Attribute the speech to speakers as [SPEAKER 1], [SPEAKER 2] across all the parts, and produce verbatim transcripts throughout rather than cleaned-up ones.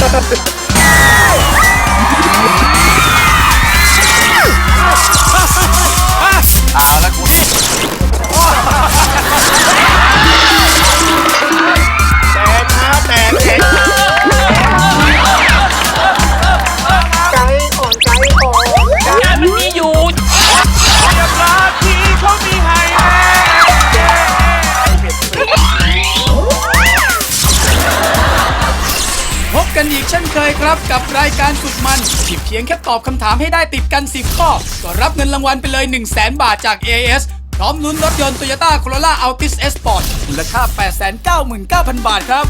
[SPEAKER 1] เอาละคุณแตกนะแตกเองไก่อ่อนไก่อ่อนไก่มันมีอยู่อย่าพลาดทีเขามีให้
[SPEAKER 2] พบกันอีกเช่นเคยครับกับรายการสุดมันที่เพียงแค่ตอบคำถามให้ได้ติดกันสิบข้อก็รับเงินรางวัลไปเลย หนึ่งแสน บาทจาก เอ เอส พร้อมลุ้นรถยนต์ Toyota Corolla Altis S Sport มูลค่า แปดแสนเก้าหมื่นเก้าพัน บาทครับ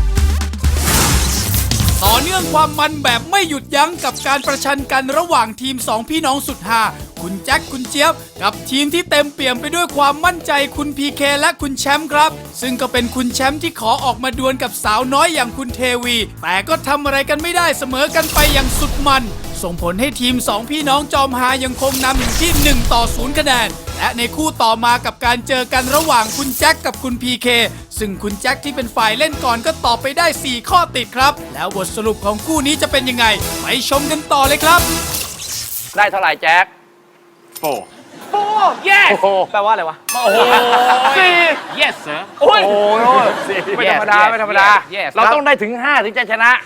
[SPEAKER 2] ต่อเนื่องความมันแบบไม่หยุดยั้งกับการประชันกันระหว่างทีมสองพี่น้องสุดฮาคุณแจ็คคุณเจี๊ยบกับทีมที่เต็มเปี่ยมไปด้วยความมั่นใจคุณพีเคและคุณแชมป์ครับซึ่งก็เป็นคุณแชมป์ที่ขอออกมาดวลกับสาวน้อยอย่างคุณเทวีแต่ก็ทำอะไรกันไม่ได้เสมอกันไปอย่างสุดมันส่งผลให้ทีมสองพี่น้องจอมฮายังคงนำอยู่ที่หนึ่งต่อศูนย์คะแนนและในคู่ต่อมากับการเจอกันระหว่างคุณแจ็คกับคุณพีเคซึ่งคุณแจ็คที่เป็นฝ่ายเล่นก่อนก็ตอบไปได้สี่ข้อติดครับแล้วบทสรุปของคู่นี้จะเป็นยังไงไปชมกันต่อเลยครับ
[SPEAKER 3] ได้เท่าไหร่แจ็ค
[SPEAKER 1] โอ้
[SPEAKER 3] โอ้ yes
[SPEAKER 4] แปลว่าอะไรวะ
[SPEAKER 3] โอ้โหสี่ yes sir โอ้ยไม่ธรรมดาไม่ธรรมดาเราต้องได้ถึงห้าถึงจะชนะ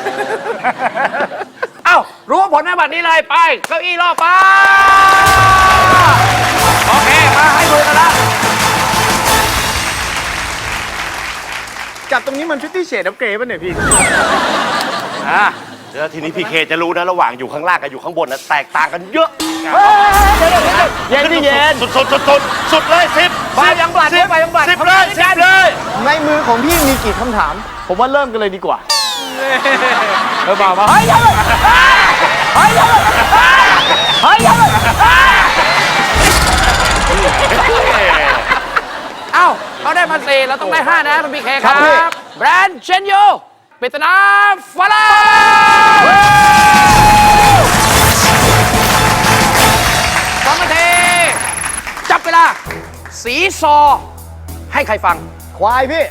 [SPEAKER 3] เอ้ารู้ผลในบัตรนี้เลยไปเก้าอี้รอบไปโอเคมาให้ดูกันละ
[SPEAKER 4] จับตรงนี้มันฟิฟตี้เชดอัพเกรดป่ะเนี่ยพี่
[SPEAKER 1] อ่ะเดี๋ยวทีนี้พีเคจะรู้นะระหว่างอยู่ข้างล่างกับอยู่ข้างบนนะแตกต่างกันเยอะ
[SPEAKER 4] เย็นที่เย็น
[SPEAKER 1] สุดสุดสุดสุดสุดเลยสิบ
[SPEAKER 4] ไปยังบลัดไปยังบลัด
[SPEAKER 1] สิบเลยสิบเลย
[SPEAKER 4] ในมือของพี่มีกี่คำถามผมว่าเริ่มกันเลยดีกว่าเออบอกมาเฮ้ยเฮ้ยเฮ้ยเฮ้ย
[SPEAKER 3] เอ้าเขาได้มาสี่เราต้องได้ห้านะคุณพีเคครับแบรนด์เชนโยปริศนาฝรั่งสองนาทีจับเวลาสีซอให้ใครฟัง
[SPEAKER 4] ควายพี่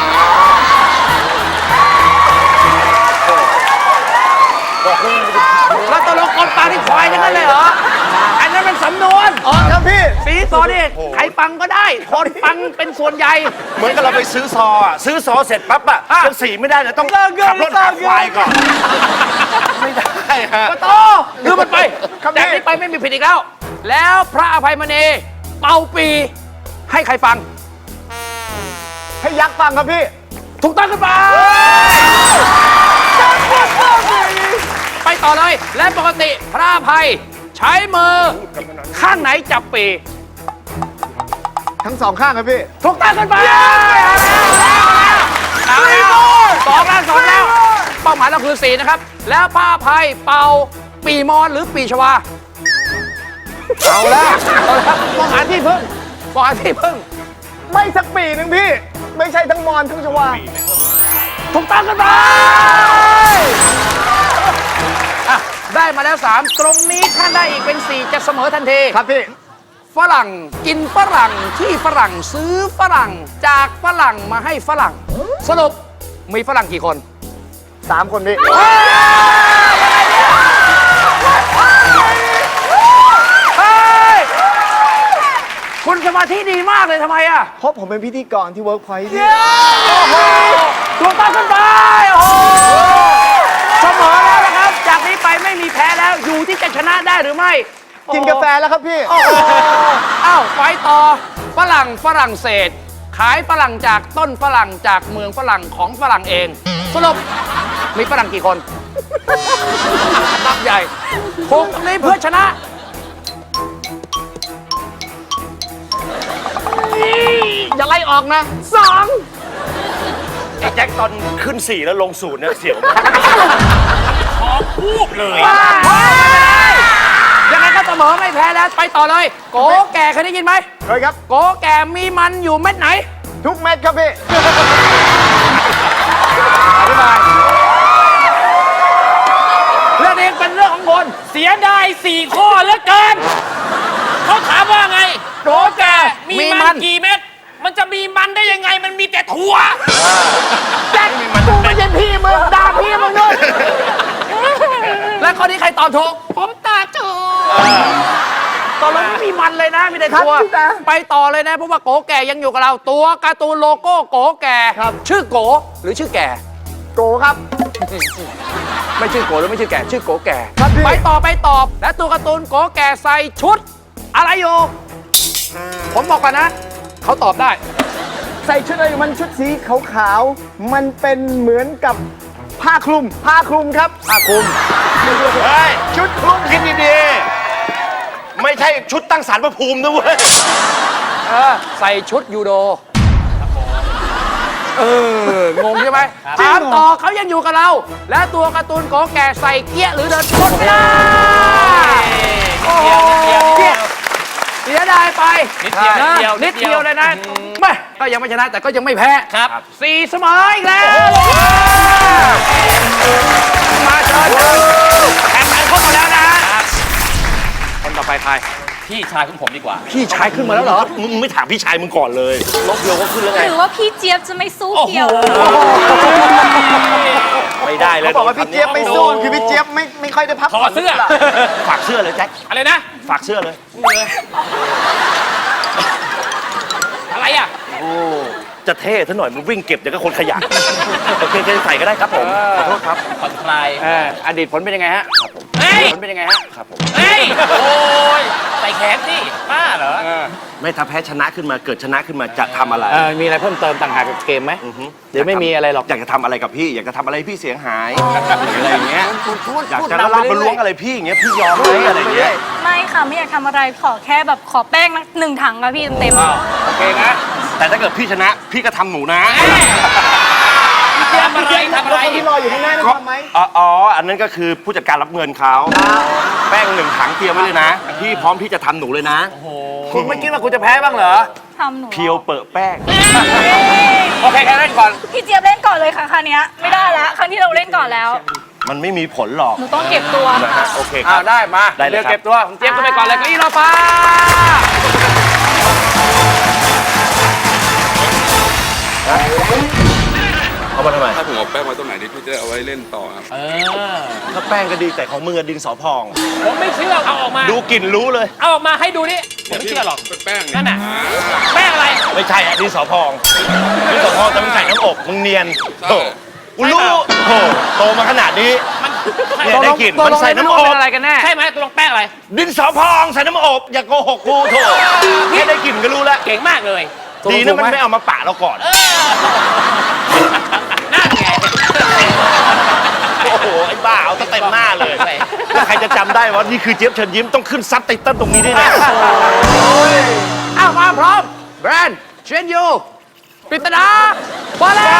[SPEAKER 3] แล้วตกลงคนฟังที่ควายนั่นเลยเหรออันนั้นเป็นสำนวน
[SPEAKER 4] อ๋อครับพี่
[SPEAKER 3] สีซอนี่ใครฟังก็ได้คนฟังเป็นส่วนใหญ่
[SPEAKER 1] เหมือนกับเราไปซื้อซออ่ะซื้อซอเสร็จปั๊บอ่ะยังสีไม่ได้เลยต้องขับรถหาควายก่อนไม่ได้ฮะ
[SPEAKER 3] ก็โตลืมมันไปแต่นี้ไปไม่มีผิดอีกแล้วแล้วพระอภัยมณีเป่าปีให้ใครฟัง
[SPEAKER 4] ให้ยักษ์ฟังครับพี่
[SPEAKER 3] ถูกต้องขึ้นไปไปต่อเลยและปกติพระอภัยใช้มือข้างไหนจับปี
[SPEAKER 4] ทั้งสองข้างครับพี่
[SPEAKER 3] ถูกต้องขึ้นไปเอาแล้วสองแล้วสองแล้วเป้าหมายเราคือสี่นะครับแล้วพระอภัยเป่าปีมอนหรือปีชวา
[SPEAKER 4] เอาแล้ว
[SPEAKER 3] มองหาที่พึ่งมองหาที่พึ่ง
[SPEAKER 4] ไม่สักปีหนึ่งพี่ไม่ใช่ทั้งมอนทั้งชวา
[SPEAKER 3] ถูกต้องกันไปได้มาแล้วสามตรงนี้ถ้าได้อีกเป็นสี่จะเสมอทันที
[SPEAKER 4] ครับพี่
[SPEAKER 3] ฝรั่งกินฝรั่งที่ฝรั่งซื้อฝรั่งจากฝรั่งมาให้ฝรั่งสรุปมีฝรั่งกี่คน
[SPEAKER 4] สามคนพี่
[SPEAKER 3] คุณสมาธิดีมากเลยทำไมอ่ะ
[SPEAKER 4] เพราะผมเป็นพิธีกรที่เวิร์กพอยต์พี่
[SPEAKER 3] ถูกต้องขึ้นไปโอ้โหเสมอแล้วนะครับจากนี้ไปไม่มีแพ้แล้วอยู่ที่จะชนะได้หรือไม่
[SPEAKER 4] กินกาแฟแล้วครับพี่
[SPEAKER 3] โอ้โหอ้าวไปต่อฝรั่งฝรั่งเศสขายฝรั่งจากต้นฝรั่งจากเมืองฝรั่งของฝรั่งเองสรุปมีฝรั่งกี่คนนับใหญ่ถูกนี้เพื่อชนะอย่าไล่ออกนะสอง
[SPEAKER 1] ไอ้แจ็คตอนขึ้นสี่แล้วลงศูนย์เนี่ยเสียวขอพูดเลย
[SPEAKER 3] ยังไงก็เสมอไม่แพ้แล้วไปต่อเลยโกแก่เคยได้ยินไหม
[SPEAKER 4] เคยครับ
[SPEAKER 3] โกแก่มีมันอยู่เม็ดไหน
[SPEAKER 4] ทุกเม็ดครับพี่
[SPEAKER 3] อธิบายเรื่องนี้เป็นเรื่องของคนเสียดายสี่ข้อเหลือเกินเขาถามว่าไงโกแก่มีมันกี่เม็ดมันจะมีมันได้ยังไงมันมีแต่ถั่วแจ็คมึงไม่ใช่พี่มึงด่าพี่มึงด้วยอบถูกผมตาถูกตอนเราไม่มีมันเลยนะมีแต่ตัวไปต่อเลยนะเพราะว่าโกแก่ยังอยู่กับเราตัวการ์ตูนโลโก้โกแก่ชื่อโกหรือชื่อแก่
[SPEAKER 4] โกครับ
[SPEAKER 3] ไม่ชื่อโกหรือไม่ชื่อแก่ชื่อโกแก่
[SPEAKER 4] ครับพี่
[SPEAKER 3] ไปต่อไปตอบและตัวการ์ตูนโกแก่ใส่ชุด อะไรอยู่ผมบอกก่อนนะเขาตอบได้
[SPEAKER 4] ใส่ชุดอะไรมันชุดสีขาวๆมันเป็นเหมือนกับผ้าคลุม ผ้าคลุมครับ
[SPEAKER 3] ผ้าคลุม
[SPEAKER 1] เฮ้ย ชุดคลุมคิดดีๆ ไม่ใช่ชุดตั้งศาลพระภูมินะเว้ย
[SPEAKER 3] เออใส่ชุดยูโดเอองงใช่ไหมถามต่อเขายังอยู่กับเรา และตัวการ์ตูนโกแก่ใส่เกี้ยหรือเดินชนไม่ได้โอ้โหเสียดายไป
[SPEAKER 5] นิดเดียวนิดเดียว
[SPEAKER 3] นิดเดียวเลยนะไม่ก็ยังไม่ชนะแต่ก็ยังไม่แพ้
[SPEAKER 5] ครับ
[SPEAKER 3] สี่เสมออีกแล้วมาเชิญแข่งขันเข้ามาแล้วนะคนต่อไปใคร
[SPEAKER 5] พี่ชายของผมดีกว่า
[SPEAKER 3] พี่ชายขึ้นมาแล้วเหรอ
[SPEAKER 1] มึงไม่ถามพี่ชายมึงก่อนเลยลบเดียวก็ขึ้นแล้วไง
[SPEAKER 6] หรือว่าพี่เจี๊ยบจะไม่สู้เกี่ยว
[SPEAKER 1] ไม่ได้เลย
[SPEAKER 4] เขาบอกว่าพี่เจี๊ยบไม่สู้คือพี่เจี๊ยบไม่ไม่ค่อยได้พัก
[SPEAKER 5] ถอดเสื้อ
[SPEAKER 1] ฝากเสื้อเลยแจ็ค
[SPEAKER 5] อะไรนะ
[SPEAKER 1] ฝากเสื้อเลย
[SPEAKER 5] อะไรอ่ะ
[SPEAKER 1] จะเท่ซะหน่อยมันวิ่งเก็บเดี๋ยวก็คนขยะโอเคจะใส่ก็ได้ครับผมขอโทษครับ
[SPEAKER 5] ผ่อนคลาย
[SPEAKER 3] เอออดีตผลเป็นยังไงฮะ
[SPEAKER 5] เฮ้ย
[SPEAKER 3] ผลเป็นยังไงฮะ
[SPEAKER 1] ครับผม
[SPEAKER 5] เฮ้ย โอ้ย ใส่แขนสิบ้าเหรอ
[SPEAKER 1] ไม่ถ้าแพ้ชนะขึ้นมาเกิดชนะขึ้นมาจะทำอะไร
[SPEAKER 3] เออมีอะไรเพิ่มเติมต่างหากกับเกมไหม
[SPEAKER 1] อือฮึ
[SPEAKER 3] เดี๋ยวไม่มีอะไรหรอก
[SPEAKER 1] อยากจะทำอะไรกับพี่ อยากจะทำอะไรให้พี่เสียหายอะไรอย่างเงี้ย
[SPEAKER 3] พูด
[SPEAKER 1] อยาก
[SPEAKER 3] พูด
[SPEAKER 1] จะ
[SPEAKER 3] นำไป
[SPEAKER 1] ลากมา
[SPEAKER 3] เรื่อยๆ
[SPEAKER 1] ล้วงอะไรพี่อย่างเงี้ยพี่ยอมไหมอะไรอย่างเงี้ย
[SPEAKER 6] ไม่ค่ะ ไม่อยากทำอะไรขอแค่แบบขอแป้งหนึ่งถังค่ะพี่เต็ม
[SPEAKER 3] โอเคนะ
[SPEAKER 1] แต่ถ้าเกิดพี่ชนะพี่ก็ทำหนูนะ
[SPEAKER 5] ทำอะไรทำอะไร
[SPEAKER 4] คนที่รออยู่ข้างหน้าได้ทำไหม
[SPEAKER 1] อ๋ออ๋ออันนั้นก็คือผู้จัดการรับเงินเขาแป้งหนึ่งถังเตรียมไว้เลยนะ พี่พร้อมที่จะทำหนูเลยนะ
[SPEAKER 3] คุณไม่คิดว่าคุณจะแพ้บ้างเหรอ
[SPEAKER 6] ๆทำหนู
[SPEAKER 1] เพียวเปิดแป้ง
[SPEAKER 3] โอเคแค่นั้นก่อน
[SPEAKER 6] พี่เจี๊ยบเล่นก่อนเลยค่ะคราวเนี้ยไม่ได้ละครั้งที่เราเล่นก่อนแล้ว
[SPEAKER 1] มันไม่มีผลหรอก
[SPEAKER 6] หนูต้องเก็บตัว
[SPEAKER 1] นะฮะโอเคค
[SPEAKER 3] อ้า
[SPEAKER 1] รั
[SPEAKER 3] ว
[SPEAKER 1] บ
[SPEAKER 3] ได้มา
[SPEAKER 1] ได้เลย
[SPEAKER 3] เดี๋ยว
[SPEAKER 1] ครับ
[SPEAKER 3] เก็บตัวผมเจี๊ยบก็ไปก่อนเลยเก็อี้รอฟ้า
[SPEAKER 1] เอามาทำไม
[SPEAKER 7] ถ้าผมเอาแป้งไว้ตรงไหนนี่พี่จะได้เอาไว้เล่นต่อครับ
[SPEAKER 5] เออ
[SPEAKER 1] ถ้าแป้งก็ดีแต่ของมือะดินสอพอง
[SPEAKER 5] ผมไม่เชื่อ เอาออกมา
[SPEAKER 1] ดูกลิ่นรู้เลย
[SPEAKER 5] เอาออกมาให้ดูนี่ ผมไม่เชื่อหรอก
[SPEAKER 7] เป็นแป้งเย
[SPEAKER 5] นั่นน่ะ แป้งอะไร
[SPEAKER 1] ไม่ใช่อะดินสอพองดินสอพองแต่มึงใส่น้ำอบมึงเนียนโอ้กูรู้โอ้โตมาขนาดนี้
[SPEAKER 5] มัน
[SPEAKER 1] เนี่ยได้กลิ่น
[SPEAKER 3] ตก
[SPEAKER 1] มัน
[SPEAKER 3] ลง
[SPEAKER 1] ใส่
[SPEAKER 3] ใน
[SPEAKER 1] น้ำ
[SPEAKER 3] น้ำ
[SPEAKER 1] อ
[SPEAKER 3] อบ
[SPEAKER 1] บ
[SPEAKER 3] เป็นอะไรกันแน่
[SPEAKER 5] ใช่ไหมตกลงแป้งอะไร
[SPEAKER 1] ดินสอพองใส่น้ำอบอย่าโกหกกูโถแค่ได้กลิ่นก็รู้แล้ว
[SPEAKER 5] เก่งมากเลย
[SPEAKER 1] ดีนะมันไม่เอามาปะเราก่อน
[SPEAKER 5] นั่นไง
[SPEAKER 1] โอ้โห ไอ้บ้า เอาตั้งเต็มหน้าเลย ใครจะจำได้ว่านี่คือเจี๊ยบเชิญยิ้มต้องขึ้นซับไตเติ้ลตรงนี้ด้วยนะ
[SPEAKER 3] อ้าวมาพร้อมแบรนด์เชนยูปริตนาบอลเลย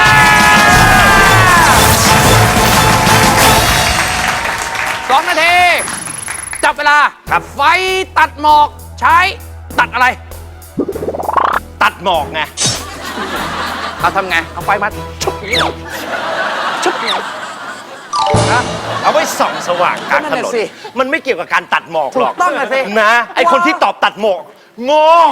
[SPEAKER 3] สองนาที จับเวลา
[SPEAKER 1] ครับ
[SPEAKER 3] ไฟตัดหมอกใช้ตัดอะไร
[SPEAKER 1] ตัดหมอกไง
[SPEAKER 3] เราทำไง เอาไฟมาชุบอย่างนี้เหรอชุบอย่างนี้นะ
[SPEAKER 1] เอาไว้ส่องสว่างกลางถ
[SPEAKER 3] ก็นั่น
[SPEAKER 1] น
[SPEAKER 3] น่ะ
[SPEAKER 1] น
[SPEAKER 3] สิ
[SPEAKER 1] มันไม่เกี่ยวกับการตัดหมอกหรอก
[SPEAKER 3] ถูกต้องน่ะสิ
[SPEAKER 1] นะ ไอคนที่ตอบตัดหมอกโง่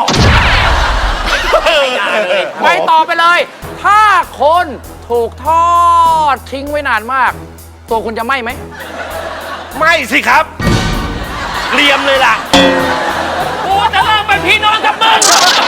[SPEAKER 3] ไปต่อไปเลย ถ้าคนถูกทอดทิ้งไว้นานมาก ตัวคุณจะไหม้ไหม
[SPEAKER 1] ไม่สิครับเกรียมเลยล่ะ
[SPEAKER 5] กูจะเลิกเป็นพี่น้องกับมึง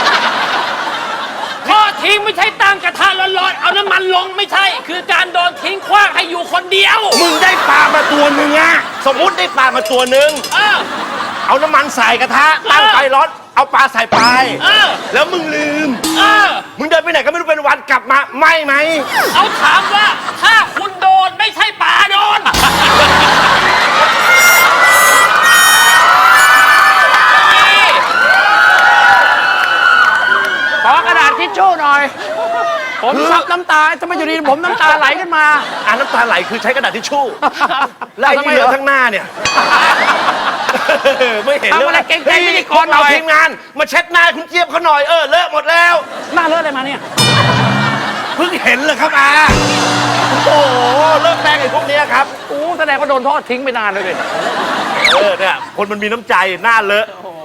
[SPEAKER 5] ทอดทิ้งไม่ใช่ตั้งกระทะร้อนๆ เอาน้ำมันลงไม่ใช่ คือการโดนทิ้งขว้างให้อยู่คนเดียว
[SPEAKER 1] มึงได้ปลามาตัวหนึ่งอะสมมุติได้ปลามาตัวหนึ่ง
[SPEAKER 5] เออ
[SPEAKER 1] เอาน้ำมันใส่กระทะตั้งไฟร้อน เอาปลาใส่ไป
[SPEAKER 5] เออ
[SPEAKER 1] แล้วมึงลืม
[SPEAKER 5] เออ
[SPEAKER 1] มึงเดินไปไหนก็ไม่รู้เป็นวันกลับมาไม่ไหม
[SPEAKER 5] เอาถามว่าถ้าคุณโดนไม่ใช่ป่าโดน
[SPEAKER 3] ขอกระดาษทิชชู่หน่อย ผมซับน้ำตาทำไมอยู่ดีผมน้ำตาไหลขึ้นมา
[SPEAKER 1] อ่าน้ำตาไหลคือใช้กระดาษทิชชู่ แล้วไอ้
[SPEAKER 3] ทำไม
[SPEAKER 1] ที่เหลื
[SPEAKER 3] เหร
[SPEAKER 1] อ
[SPEAKER 3] อ
[SPEAKER 1] ทั้งหน้าเนี่ย ไม่เห็น
[SPEAKER 3] ทำอะไร
[SPEAKER 1] ลย
[SPEAKER 3] เก่งๆพิธีกรหน่
[SPEAKER 1] เรา
[SPEAKER 3] อย
[SPEAKER 1] ทีมงาน มาเช็ดหน้าคุณเจี๊ยบเขาหน่อย เออ เลอะหมดแล้ว
[SPEAKER 3] หน้าเลอะอะไรมาเนี่ย
[SPEAKER 1] เพิ่งเห็นเลยครับอาโอ้โห เลิกแป้งไอ้พวกเนี้ยครับ
[SPEAKER 3] โอ้แสดงว่าโดนทอดทิ้งไปนานเลยดิ
[SPEAKER 1] เออ เนี่ย คนมันมีน้ำใจ หน้าเลอะ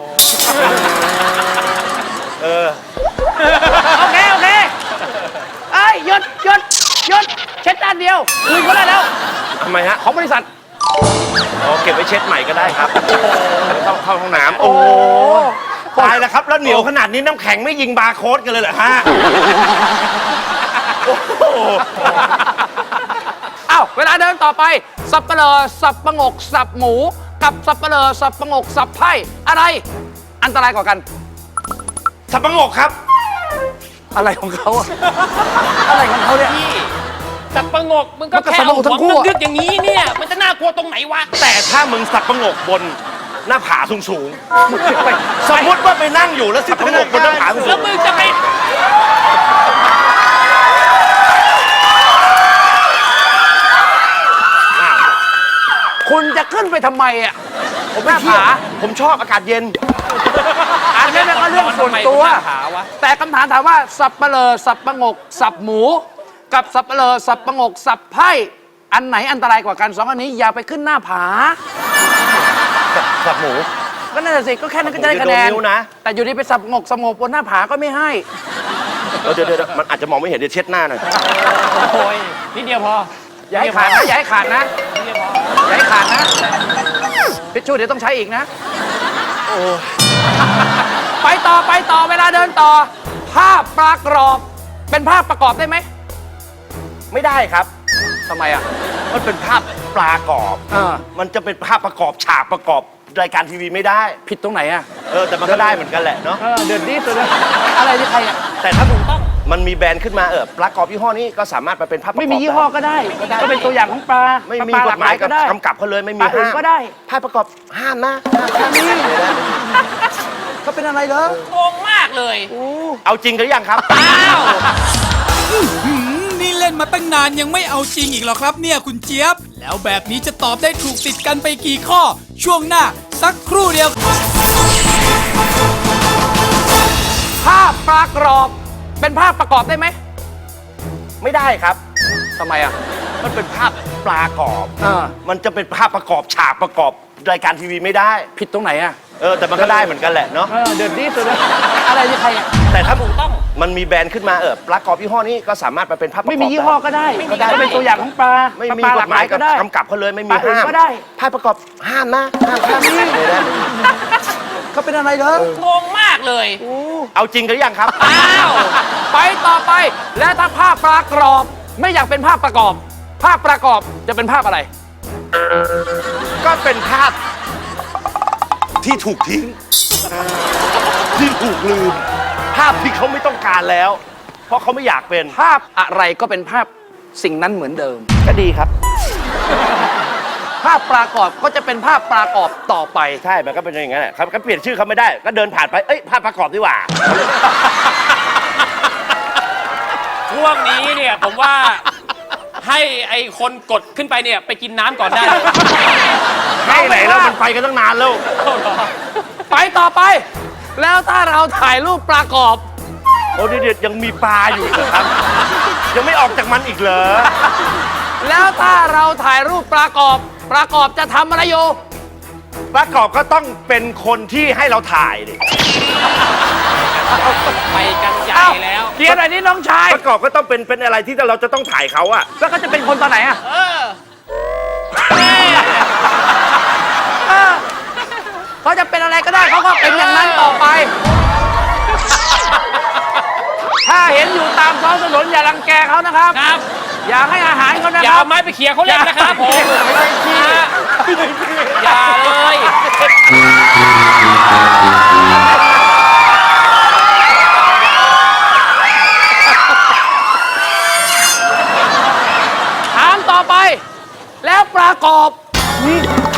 [SPEAKER 1] เออ
[SPEAKER 3] โอเค โอเคเอ้ยหยุดหยุดหยุดเช็ดด้านเดียวคืนเขาได้แล้ว
[SPEAKER 1] ทำไมฮะ
[SPEAKER 3] ของบริษัท
[SPEAKER 1] อ๋อเก็บไว้เช็ดใหม่ก็ได้ครับเข้าเข้าห้องน้ำโอ้โหตายแล้วครับ แล้วเหนียวขนาดนี้น้ำแข็งไม่ยิงบาร์โค้ดกันเลยเหรอฮะโอ้โห
[SPEAKER 3] อ้าวเวลาเดินต่อไป สับเปลอสับประงก สับหมู กับสับเปลอสับประงก สับไพ่อะไร อันตรายกว่ากัน
[SPEAKER 1] สับปะงกครับ
[SPEAKER 3] อะไรของเขาอะอะไรของเขาเนี่ย
[SPEAKER 5] พี่สับประงกมึงก็
[SPEAKER 3] มันก็
[SPEAKER 5] แค่
[SPEAKER 3] สับปะ
[SPEAKER 5] เอา
[SPEAKER 3] งกทั้
[SPEAKER 5] หัว
[SPEAKER 3] งคู่
[SPEAKER 5] มึง
[SPEAKER 3] อะ
[SPEAKER 5] ดึกอย่างนี้เนี่ย มันจะน่ากลัวตรงไหนวะ
[SPEAKER 1] แต่ถ้ามึงสับปะงกบนหน้าผาสูงสูงๆสมมติว่าไปนั่งอยู่แล้วสับปะงกบนหน้าผาสูง
[SPEAKER 5] แล้วมึงจะไป
[SPEAKER 3] คุณจะขึ้นไปทำไมอะ
[SPEAKER 1] ๆผมไม่เที่ยวผมชอบอากาศเย็น
[SPEAKER 3] อันนี้เป็นก็เรื่องส่วนตัว แต่คำถามถามว่า สับเปลอสับประงก สับหมู กับสับเปลอสับประงก สับไพ่อันไหนอันตรายกว่ากันสองอันนี้อย่าไปขึ้นหน้าผา
[SPEAKER 1] สับหมู
[SPEAKER 3] ก็นั่นแหละสิก็แค่นั้นก็จะได้คะแนน
[SPEAKER 1] ผมจะโดนนิ้วนะ
[SPEAKER 3] แต่อยู่ดีไปสับงกสงบบนหน้าผาก็ไม่ให้
[SPEAKER 1] เออเดี๋ยวเดี๋ยวมันอาจจะมองไม่เห็นเดี๋ยวเช็ดหน้าหน่อย
[SPEAKER 5] โอ้ยนิดเดียวพอ
[SPEAKER 3] อย่าให้ขาดนะอย่าให้ขาดนะอย่าให้ขาดนะพิชชูเดี๋ยวต้องใช้อีกนะไปต่อไปต่อเวลาเดินต่อ ภาพปลากรอบ เป็นภาพประกอบได้ไหม
[SPEAKER 1] ไม่ได้ครับ
[SPEAKER 3] ทำไมอ่ะ
[SPEAKER 1] มันเป็นภาพปลากรอบ
[SPEAKER 3] อ่า
[SPEAKER 1] มันจะเป็นภาพประกอบฉากประกอบรายการทีวีไม่ได้
[SPEAKER 3] ผิดตรงไหนอ่ะ
[SPEAKER 1] เออแต่มันก็ได้เหมือนกันแหละเนาะ
[SPEAKER 3] เออเดือดดีสุดเลยอะไรที่ใครอ่ะ
[SPEAKER 1] แต่ถ้ามันมีแบรนด์ขึ้นมาเออปลากรอบยี่ห้อนี้ก็สามารถมาเป็นภาพประกอบ
[SPEAKER 3] ไม่มียี่ห้อก็ได้ ก็เป็นตัวอย่างของปลา
[SPEAKER 1] ไม่มี
[SPEAKER 3] ปลาก ห
[SPEAKER 1] ฎ
[SPEAKER 3] ลาก
[SPEAKER 1] ห
[SPEAKER 3] ห
[SPEAKER 1] มา
[SPEAKER 3] ลาย ย
[SPEAKER 1] ก็
[SPEAKER 3] ก็ได้
[SPEAKER 1] กำกับเขาเลยไม่
[SPEAKER 3] ป
[SPEAKER 1] มี
[SPEAKER 3] ลาอื่น
[SPEAKER 1] ห้าม
[SPEAKER 3] ก็ได้
[SPEAKER 1] ภาพประกอบห้ามนะห้ามห้ามไม่ได้
[SPEAKER 3] เขาเป็นอะไรเหรอ
[SPEAKER 5] โกงมากเลย
[SPEAKER 1] เอาจริงกันหรือยังครับ
[SPEAKER 5] อ้าว
[SPEAKER 2] หืมนี่เล่นมาตั้งนานยังไม่เอาจริงอีกเหรอครับเนี่ยคุณเจี๊ยบ แล้วแบบนี้จะตอบได้ถูกติดกันไปกี่ข้อ ช่วงหน้าสักครู่เดียว
[SPEAKER 3] ภาพปลากรอบ เป็นภาพประกอบได้ไหม
[SPEAKER 1] ไม่ได้ครับ
[SPEAKER 3] ทำไมอ่ะ
[SPEAKER 1] มันเป็นภาพปลากรอบ
[SPEAKER 3] อ่า
[SPEAKER 1] มันจะเป็นภาพประกอบฉากประกอบรายการทีวีไม่ได้
[SPEAKER 3] ผิดตรงไหนอ่ะ
[SPEAKER 1] เออแต่มันก็ได้เหมือนกันแหละเนาะ
[SPEAKER 3] เออเดือดดีสุดเลยอะไรที่ใครอ่ะ
[SPEAKER 1] แต่ถ้ามันมีแบรนด์ขึ้นมาเออปลากรอบยี่ห้อนี้ก็สามารถมาเป็นภาพประกอบ
[SPEAKER 3] ไม่มียี่ห้อก็ได้
[SPEAKER 1] ก็ได้
[SPEAKER 3] ก็เป็นตัวอย่างของปลา
[SPEAKER 1] ไม่มี
[SPEAKER 3] ปลาก ห
[SPEAKER 1] ฎ
[SPEAKER 3] ลาก
[SPEAKER 1] ห
[SPEAKER 3] ห
[SPEAKER 1] มา
[SPEAKER 3] ลาย ย
[SPEAKER 1] ก็
[SPEAKER 3] ก็ได้
[SPEAKER 1] กำกับเขาเลยไม่มี
[SPEAKER 3] ปลาอื่น
[SPEAKER 1] ห้าม
[SPEAKER 3] ก็ได้
[SPEAKER 1] ภาพประกอบห้ามนะห้ามห้ามไม่ได้
[SPEAKER 3] เขาเป็นอะไรเหรอ
[SPEAKER 5] โกงมากเลย
[SPEAKER 1] เอาจริงกันหรือยังครับ
[SPEAKER 5] อ้าว
[SPEAKER 3] ไปต่อไป และถ้าภาพปลากรอบ ไม่อยากเป็นภาพประกอบ ภาพประกอบจะเป็นภาพอะไร
[SPEAKER 1] ก็เป็นภาพที่ถูกทิ้ง ที่ถูกลืม ภาพที่เขาไม่ต้องการแล้ว เพราะเขาไม่อยากเป็น
[SPEAKER 3] ภาพอะไรก็เป็นภาพสิ่งนั้นเหมือนเดิม
[SPEAKER 1] ก็ดีครับ
[SPEAKER 3] ภาพปลากรอบก็จะเป็นภาพปลากรอบต่อไป
[SPEAKER 1] ใช่มันก็เป็นอย่างนั้นแหละครับก็เปลี่ยนชื่อเขาไม่ได้ ก็เดินผ่านไปเอ้ยภาพประกอบดีกว่า
[SPEAKER 5] ช่วงนี้เนี่ยผมว่าให้ไอ้คนกดขึ้นไปเนี่ยไปกินน้ำก่อนได้เลย
[SPEAKER 1] ให้ไหนแล้วมันไปกันตั้งนานแล้ว
[SPEAKER 3] ไปต่อไป แล้วถ้าเราถ่ายรูปปลากรอบ
[SPEAKER 1] โอ้เด็ดยังมีปลาอยู่เหรอครับ ยังไม่ออกจากมันอีกเหรอ
[SPEAKER 3] แล้วถ้าเราถ่ายรูปปลากรอบปลากรอบจะทำอะไรอยู่
[SPEAKER 1] ประกอบก็ต้องเป็นคนที่ให้เราถ่ายดิ
[SPEAKER 5] ไปกันใหญ่
[SPEAKER 3] อ้าว
[SPEAKER 5] แล้ว
[SPEAKER 3] เกียร์หน่อยนี่น้องชาย
[SPEAKER 1] ประกอบก็ต้องเป็นเป็นอะไรที่เราจะต้องถ่ายเขาอะ
[SPEAKER 3] แล้วก็จะเป็นคนตอนไหนอ่ะ
[SPEAKER 5] เออ
[SPEAKER 3] เออเขาจะเป็นอะไรก็ได้เขาก็เป็นอย่างนั้นต่อไป ถ้าเห็นอยู่ตามท้องถนนอย่ารังแกเขานะครับ
[SPEAKER 5] ครับ
[SPEAKER 3] อย่าให้อาหารเขานะ
[SPEAKER 5] อ
[SPEAKER 3] ค
[SPEAKER 5] ย่า
[SPEAKER 3] รั
[SPEAKER 5] เอา
[SPEAKER 3] บ
[SPEAKER 5] ไม้ไปเขี่ยเขาเล่นนะครับผม
[SPEAKER 3] ไม่ได้ขี้
[SPEAKER 5] นะฮะอย่าเลย
[SPEAKER 3] ถามต่อไป แล้วปลากรอบนี่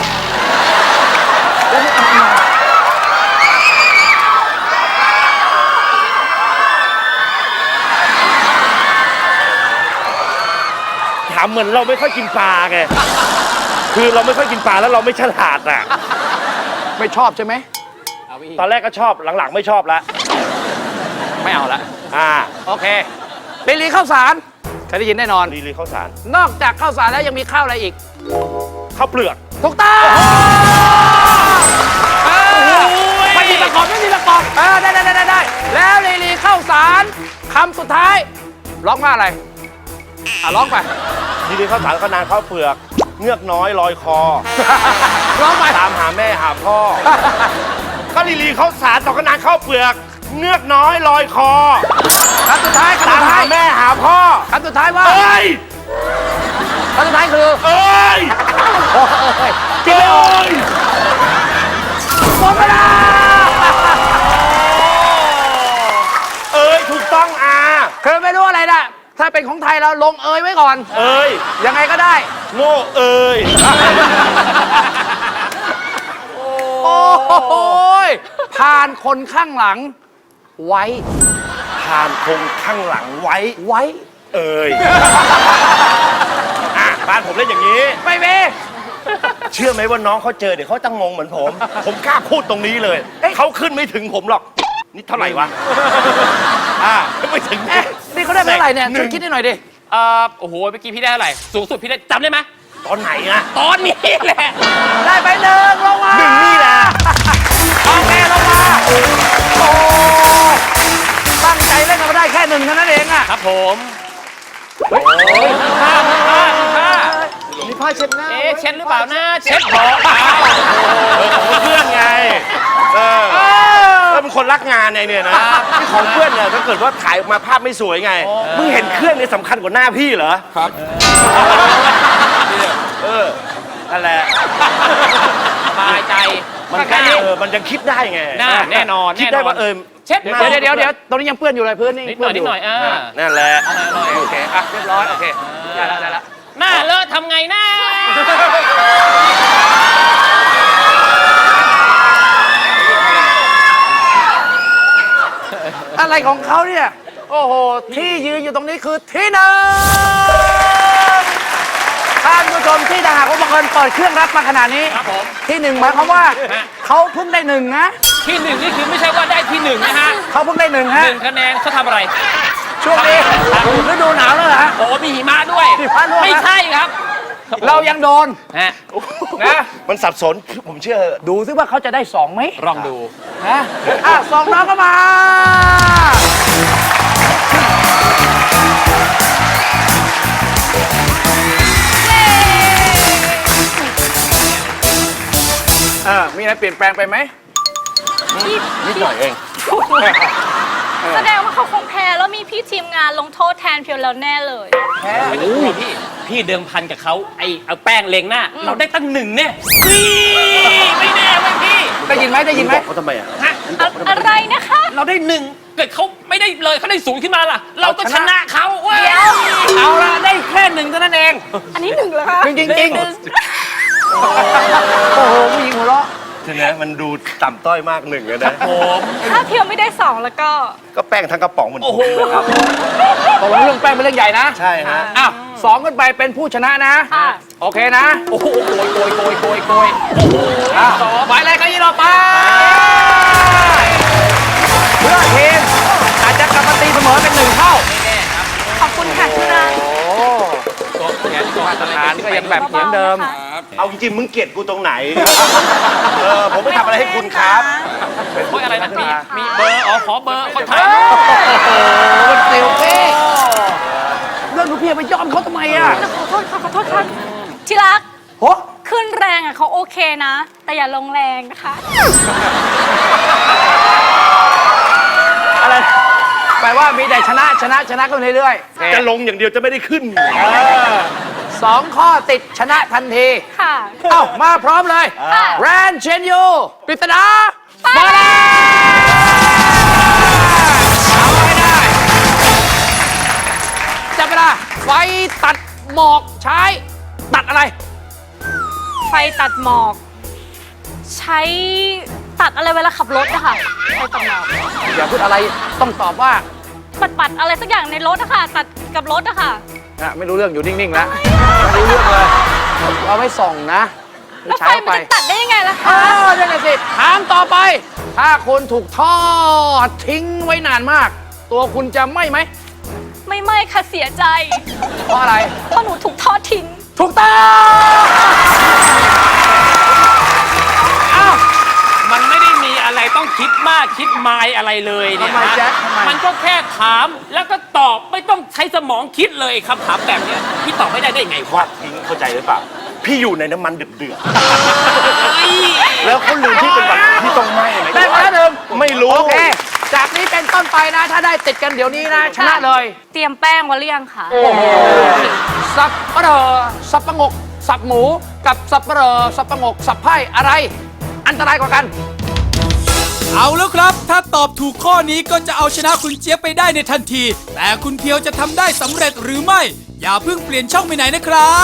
[SPEAKER 1] ถามเหมือนเราไม่ค่อยกินปลาไง คือเราไม่ค่อยกินปลาแล้วเราไม่ฉลาดอะ
[SPEAKER 3] ไม่ชอบใช่ไหม
[SPEAKER 1] ตอนแรกก็ชอบหลังๆไม่ชอบละ
[SPEAKER 3] ไม่เอาละ
[SPEAKER 1] อ่า
[SPEAKER 3] โอเคเป็นลีข้าวสารเคยได้ยินแน่นอน
[SPEAKER 1] ลีลีข้าวสาร
[SPEAKER 3] นอกจากข้าวสารแล้วยังมีข้าวอะไรอีก
[SPEAKER 1] ข้าวเปลือก
[SPEAKER 3] ถูกต้องเออไม่มีประกอบไม่มีประกอบเออได้ได้ได้ได้แล้วลีลีข้าวสารคำสุดท้ายร้องว่าอะไรอ่ะร้องไป
[SPEAKER 1] ลีลีข้าวสารก็นานข้าวเปลือกเงือกน้อยลอยคอ
[SPEAKER 3] ร้องไป
[SPEAKER 1] ตามหาแม่หาพ่อ ก็ลีลีเขาสารต่อกระนางข้าวเปลือก เงือกน้อยลอยคอ
[SPEAKER 3] คำสุดท้ายคำ
[SPEAKER 1] ตา
[SPEAKER 3] สุ
[SPEAKER 1] ม
[SPEAKER 3] ด
[SPEAKER 1] หา
[SPEAKER 3] ท้าย
[SPEAKER 1] แม่หาพ่อ
[SPEAKER 3] คำสุดท้ายว่า
[SPEAKER 1] เอ้ย
[SPEAKER 3] คำสุดท้ายคือ
[SPEAKER 1] เอ้ย
[SPEAKER 3] โอ้ยคิดไม่ออก
[SPEAKER 1] เอ้ย
[SPEAKER 3] หมดเวลา
[SPEAKER 1] เอ้ยถูกต้องอา
[SPEAKER 3] คือไม่รู้อะไรนะถ้าเป็นของไทยเราลงเอยไว้ก่อน
[SPEAKER 1] เอ้ย
[SPEAKER 3] ยังไงก็ได้
[SPEAKER 1] โง่เอ้ย
[SPEAKER 3] โอ้โหยผ่านคนข้างหลัง ไว้
[SPEAKER 1] ผ่านคงข้างหลังไว้
[SPEAKER 3] ไว้
[SPEAKER 1] เอ้ย อ่ะบ้านผมเล่นอย่างนี้
[SPEAKER 3] ไม่เม
[SPEAKER 1] เชื่อไหมว่าน้องเขาเจอเดี๋ยวเขาจะงงเหมือนผม ผมกล้าพูดตรงนี้เลย เขาขึ้นไม่ถึงผมหรอก นี่เท่าไหร่วะ อ่าไม่ถึง
[SPEAKER 3] เอ๊ะนี่เขาได้เท่าไหร่เนี่ย
[SPEAKER 1] ห
[SPEAKER 3] ช่
[SPEAKER 1] นึ่
[SPEAKER 3] วย
[SPEAKER 1] ง
[SPEAKER 3] คิดให้หน่อยดิ
[SPEAKER 5] เอ่อโอ้โหเมื่อกี้พี่ได้เท่าไหร่สูงสุดพี่ได้จำได้ไหม
[SPEAKER 1] ตอนไหนอะ
[SPEAKER 5] ตอนนี้แหละ
[SPEAKER 3] ได้ไปหนึ่งลงมา
[SPEAKER 1] หนึ่งนี่แหละ
[SPEAKER 3] โอเคลงมา โอ้ตั้งใจเล่นกันมาได้แค่หนึ่งเท่านั้นเองอะ
[SPEAKER 5] ครับผมผ้าผ้าผ้า
[SPEAKER 4] มีผ้าเช็ดหน้า
[SPEAKER 5] เอ๊ะเช็ดหรือเปล่านะเช็ดพอเปล่า
[SPEAKER 1] เออของเพื่อนไง เออก็เป็นคนรักงานไงเนี่ยนะที่ของเพื่อนเนี่ยถ้าเกิดว่าถ่ายออกมาภาพไม่สวยไง มึงเห็นเครื่องเนี่ยสำคัญกว่าหน้าพี่เหรอ
[SPEAKER 7] ครับ
[SPEAKER 1] เออ นั่นแหละ
[SPEAKER 5] สบายใจ
[SPEAKER 1] มัน
[SPEAKER 5] แค่
[SPEAKER 1] ก็
[SPEAKER 5] นี้
[SPEAKER 1] เออ มันยังคิดได้ไง
[SPEAKER 5] น่าแน่นอน
[SPEAKER 1] คิดได้
[SPEAKER 5] แน่นอน
[SPEAKER 1] ว่าเออ
[SPEAKER 5] เช็ด
[SPEAKER 3] เดี๋ยวเดี๋ยวเดี๋ยวเดี๋ยวตรงนี้ยังเปื้อนอยู่เลยพื้นนี่
[SPEAKER 5] นิดหน่อยนิดหน่อยอ่า
[SPEAKER 1] นั่นแหละ
[SPEAKER 3] โอเคอ่ะเรียบร้อยโอเคได้แล้วได้แล้ว
[SPEAKER 5] หน้าเลอะทำไงหน้า
[SPEAKER 3] อะไรของเขาเนี่ย โอ้โห ที่ยืนอยู่ตรงนี้คือที่หนึ่งท่านผู้ชมที่ถ้าหากว่าบังเอิญเปิดเครื่องรับมาขนาดนี้
[SPEAKER 5] ครับผม
[SPEAKER 3] ที่หนึ่งหมายความว่า
[SPEAKER 5] ฮะ
[SPEAKER 3] เขาเพิ่งได้หนึ่งนะ
[SPEAKER 5] ที่หนึ่งนี่คือไม่ใช่ว่าได้ที่หนึ่งนะฮะ
[SPEAKER 3] เขาเพิ่งได้หนึ่งฮะ
[SPEAKER 5] หนึ่งคะแนนเขาทำอะไร
[SPEAKER 3] ช่วงนี้ฤดูหนาวแล้วเหรอฮะ
[SPEAKER 5] โอ้มีหิมะด้วย
[SPEAKER 3] หิมะด้วย
[SPEAKER 5] ไม่ใช่ครับ
[SPEAKER 3] เรายังโดน
[SPEAKER 5] ฮะ
[SPEAKER 3] นะ
[SPEAKER 1] มันสับสน ผมเชื่อ
[SPEAKER 3] ดูซิว่าเขาจะได้สองไหม
[SPEAKER 5] ลองดู
[SPEAKER 3] นะอ่ะสองน้องก็มา เออมีอะไรเปลี่ยนแปลงไปไหม
[SPEAKER 1] นิดหน่อยเอง
[SPEAKER 6] แสดงว่าเขาคงแพ้แล้วมีพี่ทีมงานลงโทษแทนเพียวแล้วแน่เลย
[SPEAKER 5] ไม่ต้องกลัวพี่ พี่เดิมพันกับเขาไอเอาแป้งเลงหน้า เราได้ตั้งหนึ่งเนี่ยนี่ไม่แน่เว้ยพี่
[SPEAKER 3] ได้ยินไหมได้ยินไหม
[SPEAKER 1] บอกเขาทำไมอ่ะ
[SPEAKER 5] ฮะ
[SPEAKER 6] อะอะไรนะคะ
[SPEAKER 5] เราได้หนึ่งเกิดเขาไม่ได้เลยเขาได้ศูนย์ขึ้นมาล่ะ เราก็ชนะเขาเว้ย
[SPEAKER 6] เดี๋ยว
[SPEAKER 3] เอาละได้แค่หนึ่งเท่านั้นเอง
[SPEAKER 6] อันนี้หนึ่งเหรอคะ
[SPEAKER 3] จริงจริงจริงโอ้โหผู้หญิงหัวเราะ
[SPEAKER 1] ทีนี้มันดูต่ำต้อยมากหนึ่งเลยนะ
[SPEAKER 5] ผม
[SPEAKER 6] ถ้าเพียวไม่ได้สองแล้วก็
[SPEAKER 1] ก็แป้งทั้งกระป๋องเหมือนผ
[SPEAKER 5] โอ้
[SPEAKER 1] ม
[SPEAKER 5] โห
[SPEAKER 1] นะครับ
[SPEAKER 3] ตกลงเรื่องแป้งเป็นเรื่องใหญ่นะ
[SPEAKER 1] ใช่ฮะ
[SPEAKER 3] อ้าวสองขึ้นไปเป็นผู้ชนะนะ
[SPEAKER 6] ค่ะ
[SPEAKER 3] โอเคนะ
[SPEAKER 5] โอ้โหโกยโกยโกยโกยโกยโอ้โห
[SPEAKER 3] อ่ะหมายเลขก็ยี่เราไปเพื่อทีมอาจจะกลับมาตีเสมอเป็นหนึ่งเท่า
[SPEAKER 6] ขอบคุณค่ะที่รัก
[SPEAKER 3] โอ้มาตรฐานก็ยังแบบเหมือนเดิม
[SPEAKER 1] เอาจริงๆมึงเกลียดกูตรงไหน เออ ผมไม่ทำอะไรให้คุณครับ
[SPEAKER 5] โอ้ยอะไรนะมีมีเบอร์อ๋อขอเบอร์คนไทย
[SPEAKER 3] โอ้โหมันเซลฟี่เรื่องดูเพียไปยอมเขาทำไมอ่ะ
[SPEAKER 6] ขอโทษค่ะขอโทษค่ะที่รัก
[SPEAKER 3] โห
[SPEAKER 6] ขึ้นแรงอ่ะเขาโอเคนะ แต่อย่าลงแรงนะคะ
[SPEAKER 3] อะไรแปลว่ามีแต่ชนะชนะชนะกันเรื่อยๆ
[SPEAKER 1] จะลงอย่างเดียวจะไม่ได้ขึ้น
[SPEAKER 3] สองข้อติดชนะทันที
[SPEAKER 6] ค่ะ
[SPEAKER 3] เอ้า มาพร้อมเลย
[SPEAKER 6] ค่ะ
[SPEAKER 3] แรนเชนยูปริศนามาแล้วเอาให้ได้ จับเวลาไฟตัดหมอกใช้ ตัดอะไร
[SPEAKER 6] ไฟตัดหมอก ใช้ตัดอะไรเวลาขับรถอะค่ะไฟตัดหมอก
[SPEAKER 3] อย่าพูดอะไรต้องตอบว่า
[SPEAKER 6] ปัดปัดๆอะไรสักอย่างในรถอะค่ะ ตัดกับรถอะค่ะ
[SPEAKER 3] อ่ะไม่รู้เรื่องอยู่นิ่ง ๆ แล้ว ไม่รู้เรื่องเลย เอาไว้ส่องนะ
[SPEAKER 6] แล้วไฟ
[SPEAKER 3] ใช้
[SPEAKER 6] มัน
[SPEAKER 3] ไป
[SPEAKER 6] จะตัดได้ยังไงล่ะ
[SPEAKER 3] อ้า
[SPEAKER 6] คะ
[SPEAKER 3] วนั่นแหละสิ ถามต่อไป ถ้าคุณถูกทอดทิ้งไว้นานมาก ตัวคุณจะไหม้ไหม
[SPEAKER 6] ไม่ไม่ค่ะเสียใจ
[SPEAKER 3] เพราะอะไร
[SPEAKER 6] เพราะหนูถูกทอดทิ้ง
[SPEAKER 3] ถูกต้องอ้าว
[SPEAKER 5] มันไม่ได้มีอะไรต้องคิดมากคิดมายอะไรเลยเนี่ย
[SPEAKER 3] ทำไม
[SPEAKER 5] นะ
[SPEAKER 3] แจ็คทำไม
[SPEAKER 5] มันก็แค่ถามแล้วก็ตอบไม่ต้องใช้สมองคิดเลยคำถามแบบเนี้ยพี่ตอบไม่ได้ได้ยังไง
[SPEAKER 1] วาดทิ้งเข้าใจหรือเปล่าพี่อยู่ในน้ำมันเดือดๆแล้วเขาลืมที่เป็นแบบที่ต้องไหม้ไหม
[SPEAKER 3] ได้มาแล้วหนึ่ง
[SPEAKER 1] ไม่รู้
[SPEAKER 3] โอเค จากนี้เป็นต้นไปนะ ถ้าได้ติดกันเดี๋ยวนี้นะ ชนะเลย
[SPEAKER 6] เตรียมแป้งไว้หรือยังคะ
[SPEAKER 3] สับปะรอสับปะงก สับหมู กับสับปะรอสับปะงก สับไพ่อะไร อันตรายกว่ากัน
[SPEAKER 2] เอาแล้วครับ ถ้าตอบถูกข้อนี้ก็จะเอาชนะคุณเจี๊ยบไปได้ในทันที แต่คุณเพียวจะทำได้สำเร็จหรือไม่ อย่าเพิ่งเปลี่ยนช่องไปไหนนะครับ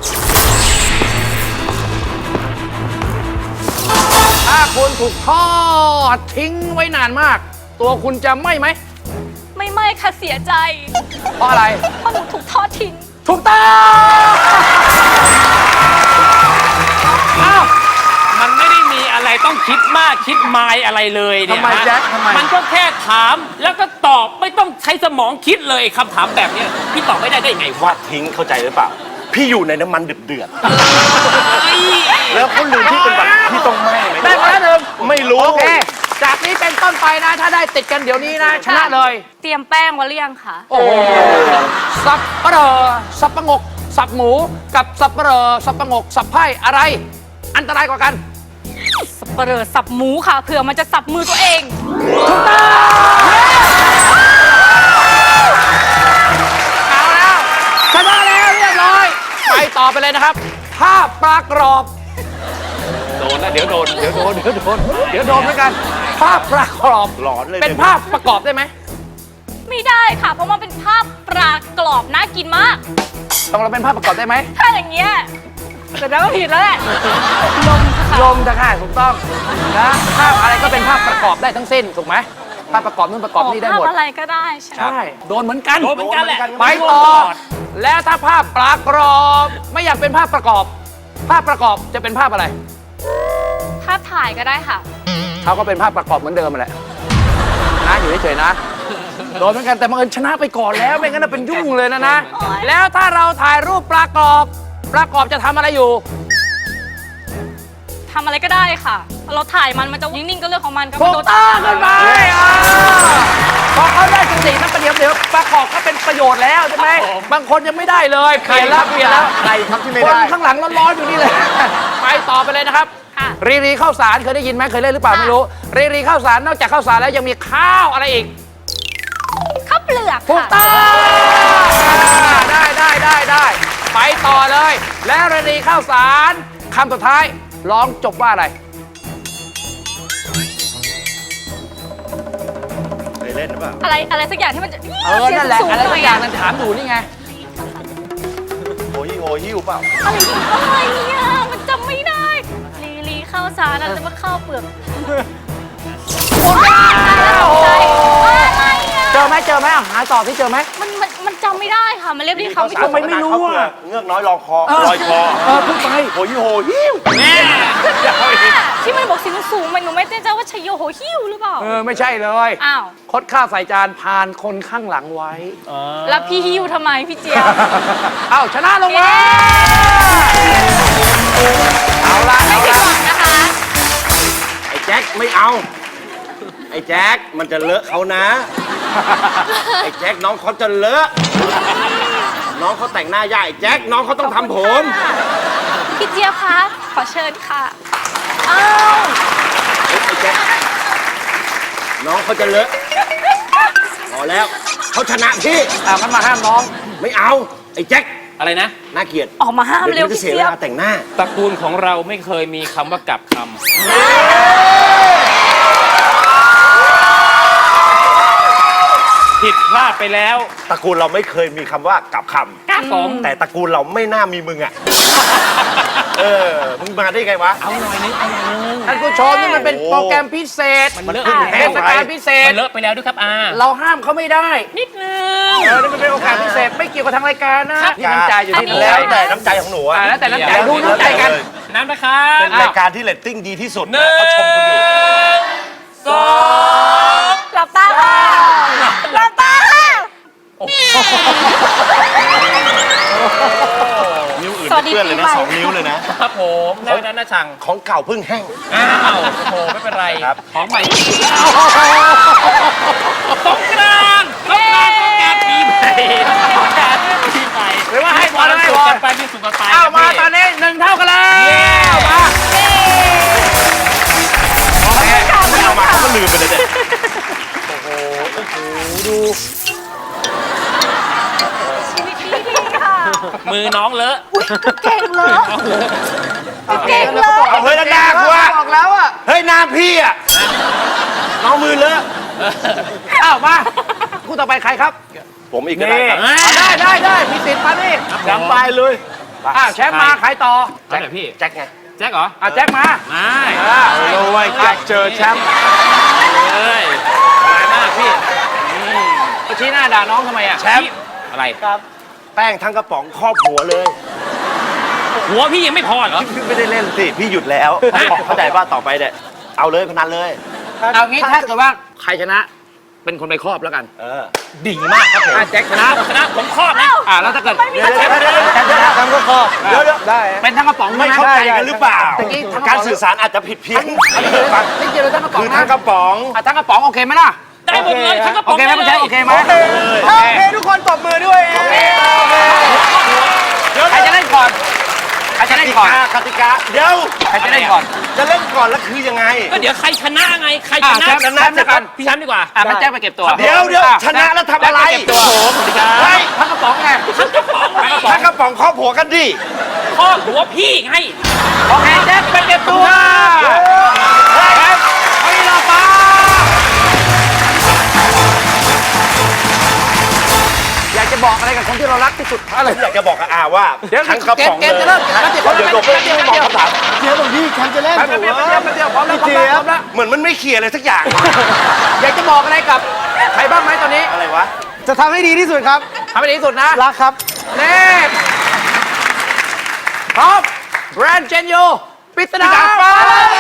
[SPEAKER 3] ถ้าคุณถูกทอดทิ้งไว้นานมาก ตัวคุณจะไหม้ไหม
[SPEAKER 6] ไม่ไม่ค่ะเสียใจ
[SPEAKER 3] เพราะอะไร
[SPEAKER 6] เพราะหนูถูกทอดทิ้ง
[SPEAKER 3] ถูกต้องอ้าว
[SPEAKER 5] มันไม่ได้มีอะไรต้องคิดมากคิดมายอะไรเลยเนี่ย
[SPEAKER 4] ทำไม
[SPEAKER 5] ฮะ
[SPEAKER 4] แจ็คทำไม
[SPEAKER 5] มันก็แค่ถามแล้วก็ตอบไม่ต้องใช้สมองคิดเลยคำถามแบบเนี้ยพี่ตอบไม่ได้ได้ไงวะ
[SPEAKER 1] ว่าทิ้งเข้าใจหรือเปล่า พี่อยู่ในน้ำมันเดือดๆแล้วเขาลืมที่เป็นแบบที่ต้องไหม้ไหม
[SPEAKER 3] ได้มาแล้วหนึ่ง
[SPEAKER 1] ไม่รู้
[SPEAKER 3] โอเค จากนี้เป็นต้นไปนะ ถ้าได้ติดกันเดี๋ยวนี้นะ ชนะเลย
[SPEAKER 6] เตรียมแป้งไว้หรือยังคะ
[SPEAKER 3] โอ้โหสับปะรอสับปะงก สับหมู กับสับปะรอสับปะงก สับไพ่อะไร อันตรายกว่ากัน
[SPEAKER 6] สับเปลือสับหมูค่ะเผื่อมันจะสับมือตัวเอง
[SPEAKER 3] เอาแล้วชนะแล้วเรียบร้อย ไปต่อไปเลยนะครับ ภาพปลากรอบ
[SPEAKER 5] โดนนะเดี๋ยวโดน
[SPEAKER 3] เดี๋ยวโดน เดี๋ยวโดน เดี๋ยวโดนเหมือนกัน ภาพปลากรอบ
[SPEAKER 1] หลอนเลย
[SPEAKER 3] เป็นภาพประกอบได้ไหม
[SPEAKER 6] ไม่ได้ค่ะ เพราะมันเป็นภาพปลากรอบน่ากินมาก
[SPEAKER 3] ต้องเราเป็นภาพประกอบได้ไหม
[SPEAKER 6] ถ้าอย่างเงี้ยแต่แล้วก็ผิดแล้วแหละลมค่ะ
[SPEAKER 3] ลมจะค่ะถูกต้องนะภาพอะไรก็เป็นภาพประกอบได้ทั้งสิ้นถูกไหมภาพประกอบนู่นประกอบนี่ได้หมด
[SPEAKER 6] ภาพอะไรก็ได้ใช่ไหม
[SPEAKER 3] ใช่ โดนเหมือนกัน
[SPEAKER 5] โดนเหมือนกันแหละ
[SPEAKER 3] ไปต่อ แล้วถ้าภาพปลากรอบไม่อยากเป็นภาพประกอบ ภาพประกอบจะเป็นภาพอะไร
[SPEAKER 6] ภาพถ่ายก็ได้ค่ะ
[SPEAKER 3] เขาก็เป็นภาพประกอบเหมือนเดิมแหละนะอยู่เฉยๆนะ โดนเหมือนกันแต่บังเอิญชนะไปก่อนแล้วไม่งั้นนะเป็นยุ่งเลยนะนะ
[SPEAKER 6] โอ๊ย
[SPEAKER 3] แล้วถ้าเราถ่ายรูปปลากรอบปลากรอบจะทำอะไรอยู่
[SPEAKER 6] ทำอะไรก็ได้ค่ะ เราถ่ายมันมันจะนิ่งๆก็เรื่องของมันก็
[SPEAKER 3] ถู
[SPEAKER 6] ไม่
[SPEAKER 3] ก
[SPEAKER 6] โดน
[SPEAKER 3] ต้องขึ้นไปอ่าพอเขาได้สตินะประเดี๋ยวเดี๋ยวประกอบก็เป็นประโยชน์แล้วใช่ไหมบางคนยังไม่ได้เลยเปลี่ยนแล้วเปลี่ยนแล้ว
[SPEAKER 4] ใครครับที่ไม่
[SPEAKER 3] คน
[SPEAKER 4] ได้
[SPEAKER 3] ข้างหลังร้อนๆอยู่นี่เลย ไปต่อไปเลยนะครับ
[SPEAKER 6] ค่ะ
[SPEAKER 3] รีรีข้าวสารเคยได้ยินไหมเคยเล่นหรือเปล่าไม่รู้ รีรีข้าวสารนอกจากข้าวสารแล้วยังมีข้าวอะไรอีก
[SPEAKER 6] ข้าวเปลือก
[SPEAKER 3] ถูก
[SPEAKER 6] ค่ะ
[SPEAKER 3] ต้องได้ได้ได้ได้ไปต่อเลย แล้วรีรีข้าวสารคำสุดท้ายร้องจบว่าอะไร
[SPEAKER 1] เคยเล่นหรือเปล่า
[SPEAKER 6] อะไรอะไรสักอย่างที่มันจะ
[SPEAKER 3] เออนั่นแหละ
[SPEAKER 6] เสียง
[SPEAKER 3] อะไร
[SPEAKER 6] สูงๆห
[SPEAKER 3] สั
[SPEAKER 6] น่
[SPEAKER 3] ก
[SPEAKER 6] อย
[SPEAKER 3] อย่าง
[SPEAKER 6] อะ
[SPEAKER 3] นั้นถามอยู่นี่ไง
[SPEAKER 1] โอ้ยโอ้หิ้วเปล่า
[SPEAKER 6] อะไรอะไรเนี่ยมันจำไม่ได้ลีลีข้าวสารอะไรจะมาข้าวเปลือก
[SPEAKER 3] หมดแล้ว
[SPEAKER 6] ใจอะไรอ่ะ
[SPEAKER 3] เจอไหมเจอไหมอ่ะหาต่อที่เจอไหม
[SPEAKER 6] มันมันมันจำไม่ได้ค่ะ มันเรียบเรียกคำไม่
[SPEAKER 3] ทำ
[SPEAKER 6] ถูก
[SPEAKER 3] ไมไม่รู้อะ
[SPEAKER 1] เงือกน้อยรองคอลอยคอ
[SPEAKER 3] เออพูดไป
[SPEAKER 1] โอ้ยโอ้หิ้ว
[SPEAKER 5] แม่
[SPEAKER 6] ที่มันบอกเสียงสูงมันหนูไม่แน่ใจว่าชัยโยโหหิ้วหรือเปล่า
[SPEAKER 3] เออไม่ใช่เลย
[SPEAKER 6] อ้าว
[SPEAKER 3] คดข้าวใส่จานผ่านคนข้างหลังไว้
[SPEAKER 6] แล้วพี่หิ้วทำไมพี่เจี๊ยบ
[SPEAKER 3] เอ้าชนะลงมาเอาละ
[SPEAKER 6] ไม่
[SPEAKER 3] เอา
[SPEAKER 6] ผิด
[SPEAKER 3] ละ
[SPEAKER 6] หวังนะคะ
[SPEAKER 1] ไอ้แจ็คไม่เอา ไอ้แจ็คมันจะเลอะเขานะ ไอ้แจ็คน้องเขาจะเลอะ น้องเขาแต่งหน้ายากไอ้แจ็คน้องเขาต้องทำผม
[SPEAKER 6] พี่เจี๊ยบคะขอเชิญค่ะอ้าว
[SPEAKER 1] ไอ้แจ็คน้องเขาจะเลอะพอแล้วเขาชนะพี่
[SPEAKER 3] อ่ะมันมาห้ามน้อง
[SPEAKER 1] ไม่เอา ไอ้แจ็ค
[SPEAKER 5] อะไรนะ
[SPEAKER 1] น่าเกลียด
[SPEAKER 6] ออกมาห้ามเร็ว
[SPEAKER 1] ดี๋ยจะ
[SPEAKER 6] พี่
[SPEAKER 1] เสียเว
[SPEAKER 6] เจี๊ยบ
[SPEAKER 1] ลาแต่งหน้า
[SPEAKER 5] ตระกูลของเราไม่เคยมีคำว่ากลับคำผิดพลาดไปแล้ว
[SPEAKER 1] ตระกูลเราไม่เคยมีคำว่ากลับค
[SPEAKER 5] ครับผม
[SPEAKER 1] ำแต่ตระกูลเราไม่น่ามีมึงอ่ะ เออ มึงมาได้ไงวะ
[SPEAKER 5] เอาหน่อยนึงเอาหน่อยนึง
[SPEAKER 3] ท่านผู้ชมนี่มันเป็นโปรแกรมพิเศษ
[SPEAKER 5] มันเลอะ
[SPEAKER 1] มัน
[SPEAKER 5] ไป
[SPEAKER 1] แห้
[SPEAKER 3] เท
[SPEAKER 1] ง
[SPEAKER 3] ศกาลพิเศษ
[SPEAKER 5] มันเลอะไปแล้วด้วยครับอา
[SPEAKER 3] เราห้ามเขาไม่ได้
[SPEAKER 5] นิดนึง
[SPEAKER 3] เออนี่มันเป็นโอกาสพิเศษไม่เกี่ยวกับทางรายการนะที่น้ำใจอยู่ที่น้ำใจ
[SPEAKER 1] แล้วแต่น้ำใจของหนูอะ
[SPEAKER 3] อ่าแล้วแต่น้ำใจดูน้ำใจกัน
[SPEAKER 5] น้ำนะครับ
[SPEAKER 1] เป็นรายการที่เรตติ้งดีที่สุด
[SPEAKER 5] ห
[SPEAKER 1] นะ
[SPEAKER 5] นึ่ง
[SPEAKER 1] เขาชมกันอยู่
[SPEAKER 5] สอง
[SPEAKER 6] หลับตาค่ะหลับตาค่ะ
[SPEAKER 1] นิ้วอื่น
[SPEAKER 6] สวัสดี
[SPEAKER 1] เพื่อนเลยนะ
[SPEAKER 6] ปีใหม่
[SPEAKER 1] สองนิ้วเลยนะ
[SPEAKER 5] ครับผมได้นั้นนะช่าง
[SPEAKER 1] ของเก่าเพิ่งแห้ง
[SPEAKER 5] อ้าวโอ้โหไม่เป็นไร
[SPEAKER 1] ครับ
[SPEAKER 5] ของใหม่สงกรานต์ปีต้องการต้องการทีมใหม่ต้องการทีมใหม่
[SPEAKER 3] หรือว่าให้บอลให้บอล
[SPEAKER 5] ไปมีสุขกันไป
[SPEAKER 3] เอามาตอนนี้หนึ่งเท่ากันแล้วมา
[SPEAKER 1] ไม่เอามาเขาก็ลืมไปเลยเนี่ย
[SPEAKER 6] ชีวิตดีดีค่ะ
[SPEAKER 5] มือน้องเลอะ
[SPEAKER 6] เก่งเลยเก่งเลย
[SPEAKER 1] เอาเฮ้ยแล้วหน้ากูอะ
[SPEAKER 4] บอกแล้วอะ
[SPEAKER 1] เฮ้ยหน้าพี่อะน้องมือเลอะ
[SPEAKER 3] อ้าวมาคู่ต่อไปใครครับ
[SPEAKER 1] ผมอีกก็ได้ครับ
[SPEAKER 3] เอาได้ได้ได้มีสิทธิ์มานี่
[SPEAKER 1] จำไปเลย
[SPEAKER 3] อ้าวแชมป์มาใครต่อ
[SPEAKER 5] แจ็คพี่
[SPEAKER 1] แจ็คไง
[SPEAKER 5] แจ็คเหรอ
[SPEAKER 3] อ่ะแจ็คมา
[SPEAKER 5] ไม่
[SPEAKER 4] โอ้ยแจ็คเจอแชมป์
[SPEAKER 5] เลยมาหน้าพี่
[SPEAKER 3] ไปชี้หน้าด่าน้องทำไมอ่ะ
[SPEAKER 5] แชมป์อะไร
[SPEAKER 1] แป้งทั้งกระป๋องครอบหัวเลย
[SPEAKER 5] หัวพี่ยังไม่พอเหรอ
[SPEAKER 1] พี่ไม่ได้เล่นสิ พี่หยุดแล้ว เข้าใจป่ะต่อไปเนี่ยเอาเลยพนันเลย
[SPEAKER 3] เอางี้ถ้าเกิดว่าใครชนะ เป็นคนไปครอบแล้วกัน
[SPEAKER 1] เออดีมากครับผม
[SPEAKER 3] อ่ะแจ็คชนะ
[SPEAKER 5] ชนะผมครอบนะ
[SPEAKER 3] อ่าแล้วถ้าเกิด
[SPEAKER 6] ไม่มี
[SPEAKER 1] เดี๋ยวเดี๋ยวเดี๋ยวเดี๋ยวเดี๋ยว
[SPEAKER 4] แชมป์ก็ครอบ
[SPEAKER 1] เดี๋ยวเดี๋ยว
[SPEAKER 4] ได้
[SPEAKER 3] เป็นทั้งกระป๋อง
[SPEAKER 1] ไม่
[SPEAKER 3] ใช่
[SPEAKER 1] เข้า
[SPEAKER 3] ไหม
[SPEAKER 1] ใจกันหรือเปล่า
[SPEAKER 3] ตะกี้ทั้งกระป๋อง
[SPEAKER 1] การสื่อสารอาจจะผิดเพี้ยน
[SPEAKER 3] นี่เจอทั้งกระป๋อง
[SPEAKER 1] คือ
[SPEAKER 3] นะ
[SPEAKER 1] ทั้งกระป๋อง
[SPEAKER 3] อ่ะทั้งกระป๋องโอเคไหมล่ะ
[SPEAKER 5] ได้หมดเลยทั้งกระป๋
[SPEAKER 3] โอ
[SPEAKER 5] อง
[SPEAKER 3] เคไหมคุณแจ็คโอเคไหม
[SPEAKER 4] โอเคทุกคนตบมือด้วย
[SPEAKER 3] ใครจะเล่นก่อนใครจะเล่นก่อน
[SPEAKER 1] กติกาเดี๋ยว
[SPEAKER 3] ใครจะเล่นก่อน
[SPEAKER 1] จะเล่นก่อนแล้วคือยังไง
[SPEAKER 5] ก็เดี๋ยวใครชนะไง ใครชนะ
[SPEAKER 3] อ่ะแชมป์แชมป์แล้วกัน
[SPEAKER 5] พี่แชมป์ดีกว่า
[SPEAKER 3] อ่ะงั้นแจ็คไปเก็บตัว
[SPEAKER 1] เดี๋ยวเดี๋ยวชนะแล้วทำอะไร
[SPEAKER 3] แจ็คปเก็บตัว
[SPEAKER 5] โอ้โหสวัสดีครับ
[SPEAKER 1] เฮ้ย
[SPEAKER 3] ทั้งกระป๋องไง
[SPEAKER 5] ทั้งกระป๋องทั้งกระป๋อง
[SPEAKER 1] ทั้งกระป๋องครอบหัวกันดิ
[SPEAKER 5] ครอบหัวพี่ไง
[SPEAKER 3] โอเคแจ็คไปเก็บตัวแจ็คไปรอฟ้าอยากจะบอกอะไรกับคนที่เรารักที่สุดอะไร
[SPEAKER 1] อยากจะบอกกับอาว่า
[SPEAKER 3] เดี๋ยว
[SPEAKER 1] ทั้งกระป๋อง
[SPEAKER 3] เกมจะเริ่มแล้วเดี๋ยว
[SPEAKER 1] เดี๋ยวเดี๋ยวเดี๋ยว
[SPEAKER 3] เดี๋ยว
[SPEAKER 1] บอกคำถาม
[SPEAKER 4] เจี๊ยบบอกพี่แชมป์จะเล่น
[SPEAKER 3] ไปไปไปไปเดียวไปเดียวพร้อมแล้วพร้อมแล้วพร้อมแล้ว
[SPEAKER 1] เหมือนมันไม่เคลียร์อะไรสักอย่าง
[SPEAKER 3] อยากจะบอกอะไรกับใครบ้างไหมตอนนี้
[SPEAKER 1] อะไรวะ
[SPEAKER 4] จะทำให้ดีที่สุดครับ
[SPEAKER 3] ทำให้ดีที่สุดนะ
[SPEAKER 4] รักครับ
[SPEAKER 3] เน่พร้อมแบรนด์เจนโยปริศนาฟ้า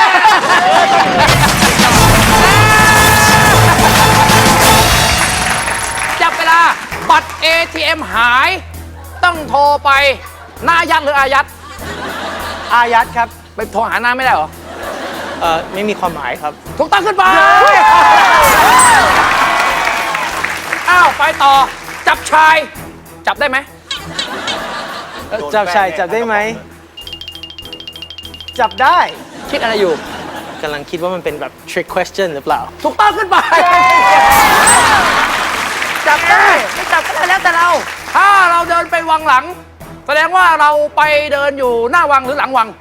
[SPEAKER 3] จับเวลาบัตร เอ ที เอ็ม หาย ต้องโทรไปหน้ายัดหรืออายัด
[SPEAKER 4] อายัดครับ
[SPEAKER 3] ไปโทรหาหน้าไม่ได้เหรอ
[SPEAKER 4] เอ่อ ไม่มีความหมายครับ
[SPEAKER 3] ถูกต้องขึ้นไป อ้าว ไปต่อ จับชาย จับได้ไหม
[SPEAKER 4] จับชายจับได้ไหม จับได้
[SPEAKER 3] คิดอะไรอยู่
[SPEAKER 4] กำลังคิดว่ามันเป็นแบบ trick question หรือเปล่า
[SPEAKER 3] ถูกต้องขึ้นไป จับได้ไม่จับก็ได้แล้วแต่เรา ถ้าเราเดินไปวังหลัง แสดงว่าเราไปเดินอยู่หน้าวังหรือหลังวัง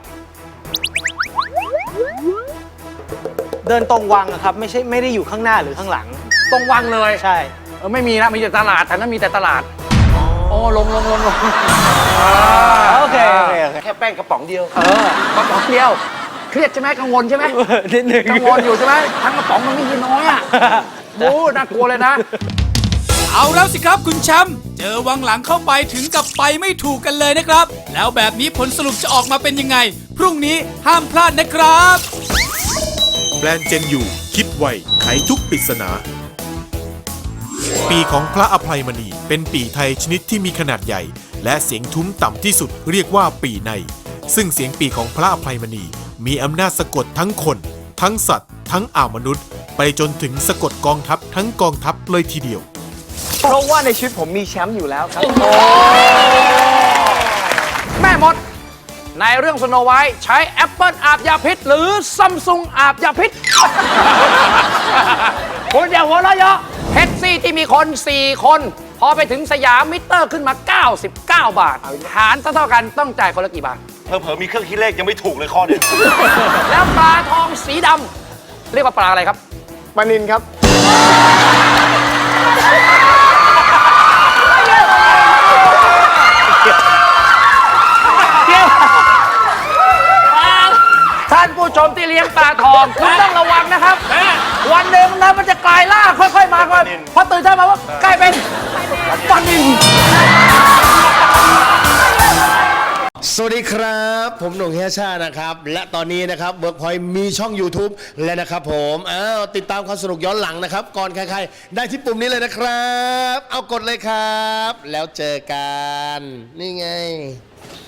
[SPEAKER 4] เดินตรงวังอะครับ ไม่ใช่ไม่ได้อยู่ข้างหน้าหรือข้างหลัง
[SPEAKER 3] ตรงวังเลย
[SPEAKER 4] ใช่
[SPEAKER 3] เออไม่มีนะ มีแต่ตลาดแถวนั้นมีแต่ตลาด โอ้ลงลงลงลง
[SPEAKER 4] โอเค โอเค โอเค
[SPEAKER 1] แค่แป้งกระป๋องเดียว
[SPEAKER 3] เออกระป๋องเดียว เครียดใช่ไหมกังวลใช่ไหม
[SPEAKER 4] นิดหนึ่ง
[SPEAKER 3] กังวลอยู่ใช่ไหมทั้งกระป๋องมันไม่ยีน้อยอ่ะโอ้น่ากลัวเลยนะ
[SPEAKER 2] เอาแล้วสิครับคุณแชมป์เจอวังหลังเข้าไปถึงกับไปไม่ถูกกันเลยนะครับ แล้วแบบนี้ผลสรุปจะออกมาเป็นยังไง พรุ่งนี้ห้ามพลาดนะครับ
[SPEAKER 8] แบรนด์เจนยูคิดไวไขทุกปริศนา ปีของพระอภัยมณีเป็นปีไทยชนิดที่มีขนาดใหญ่ และเสียงทุ้มต่ำที่สุดเรียกว่าปีใน ซึ่งเสียงปีของพระอภัยมณีมีอำนาจสะกดทั้งคน ทั้งสัตว์ ทั้งอ่าวมนุษย์ ไปจนถึงสะกดกองทัพทั้งกองทัพเลยทีเดียว
[SPEAKER 4] เพราะว่าในชีวิตผมมีแชมป์อยู่แล้วครับ
[SPEAKER 3] แม่มด ในเรื่องสโนไวท์ใช้แอปเปิลอาบยาพิษ หรือซัมซุงอาบยาพิษ คุณอย่าหัวเราะเยาะแท็กซี่ที่มีคน สี่ คน พอไปถึงสยามมิเตอร์ขึ้นมา เก้าสิบเก้า บาท หารเท่าๆกันต้องจ่ายคนละกี่บาท
[SPEAKER 1] เผลอๆมีเครื่องคิดเลขยังไม่ถูกเลยข้อเดียว
[SPEAKER 3] แล้วปลาทองสีดำเรียกว่าปลาอะไรครับ
[SPEAKER 4] ปานินครับ
[SPEAKER 3] ท่านผู้ชมที่เลี้ยงปลาทองคุณต้องระวังนะครับ วันหนึ่งแล้วมันจะกลายล่างค่อยๆมาค่อยพอตื่นเช้ามาว่ากลายเป็นปลานิล
[SPEAKER 9] สวัสดีครับ ผมหนุ่มเฮียชานะครับ และตอนนี้นะครับ Workpoint มีช่อง YouTube แล้วนะครับผมอ้าวติดตามความสนุกย้อนหลังนะครับ ก่อนใครๆ ได้ที่ปุ่มนี้เลยนะครับ เอากดเลยครับ แล้วเจอกัน นี่ไง